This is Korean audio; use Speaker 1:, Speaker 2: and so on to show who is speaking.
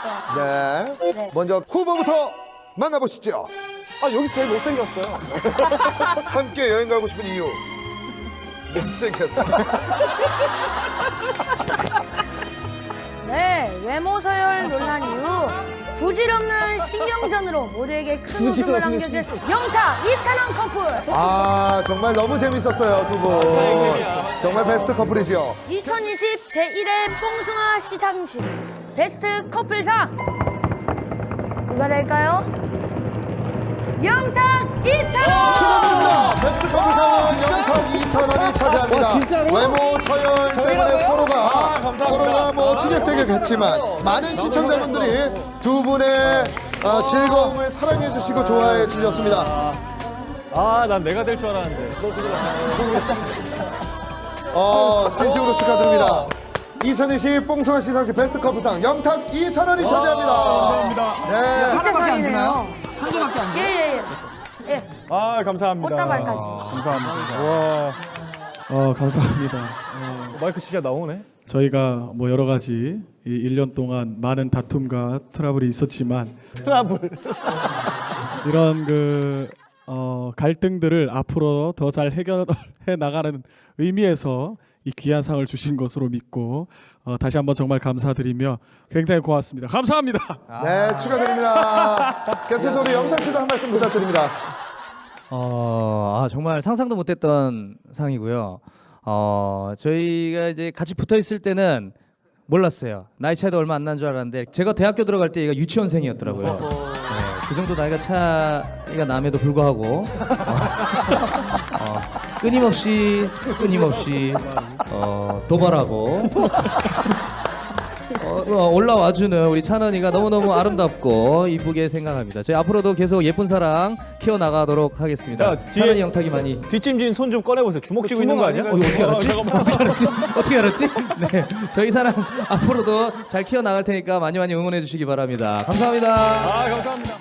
Speaker 1: 같습니다.
Speaker 2: 네.
Speaker 1: 네.
Speaker 2: 먼저 후보부터 만나보시죠.
Speaker 3: 아, 여기 제일 못생겼어요.
Speaker 2: 함께 여행 가고 싶은 이유. 못생겼어.
Speaker 1: 네, 외모 서열 논란 이후 부질없는 신경전으로 모두에게 큰 웃음을 안겨준 영탁, 이찬원 커플.
Speaker 2: 아, 정말 너무 재밌었어요, 두 분. 정말 베스트 커플이죠.
Speaker 1: 2020 제1회 뽕숭아 시상식 베스트 커플상 누가 될까요? 영탁, 이찬원!
Speaker 2: 축하드립니다. 베스트 커플상은 영탁 2,000원이 차지합니다.
Speaker 3: 와, 진짜로?
Speaker 2: 외모 서열 때문에 서로가 뭐 티격태격했지만 많은 시청자분들이 두 분의 즐거움을 사랑해 주시고 좋아해 주셨습니다.
Speaker 3: 아, 난 내가 될 줄 알았는데.
Speaker 2: 진심으로 축하드립니다. 2020 뽕숭아 시상식 베스트 커플상 영탁 2,000원이 차지합니다.
Speaker 3: 감사합니다.
Speaker 2: 네.
Speaker 1: 진짜 상이네요.
Speaker 4: 한 개밖에 안 돼요?
Speaker 1: 예.
Speaker 3: 아, 감사합니다.
Speaker 1: 꽃다발까지.
Speaker 3: 감사합니다. 와.
Speaker 5: 감사합니다.
Speaker 3: 마이크 진짜 나오네.
Speaker 5: 저희가 뭐 여러 가지 이 1년 동안 많은 다툼과 트러블이 있었지만
Speaker 3: 트러블.
Speaker 5: 이런 갈등들을 앞으로 더 잘 해결해 나가는 의미에서 이 귀한 상을 주신 것으로 믿고 다시 한번 정말 감사드리며 굉장히 고맙습니다. 감사합니다.
Speaker 2: 네, 축하드립니다. 계속해서 우리 영탁 씨도 한 말씀 부탁드립니다.
Speaker 4: 정말 상상도 못했던 상이고요. 저희가 이제 같이 붙어 있을 때는 몰랐어요. 나이 차이도 얼마 안 난 줄 알았는데 제가 대학교 들어갈 때 얘가 유치원생이었더라고요. 네, 그 정도 나이가 차이가 남에도 불구하고 끊임없이 도발하고 올라와주는 우리 찬원이가 너무너무 아름답고 이쁘게 생각합니다. 저희 앞으로도 계속 예쁜 사랑 키워나가도록 하겠습니다.
Speaker 3: 자, 뒤에-
Speaker 4: 찬원이 영탁이 많이
Speaker 3: 뒷짐진 손 좀 꺼내보세요. 주먹 쥐고 있는 거 아니야?
Speaker 4: 이거 어떻게 알았지? 어떻게 알았지? 네, 저희 사랑 앞으로도 잘 키워나갈 테니까 많이 많이 응원해 주시기 바랍니다. 감사합니다.
Speaker 3: 아, 감사합니다.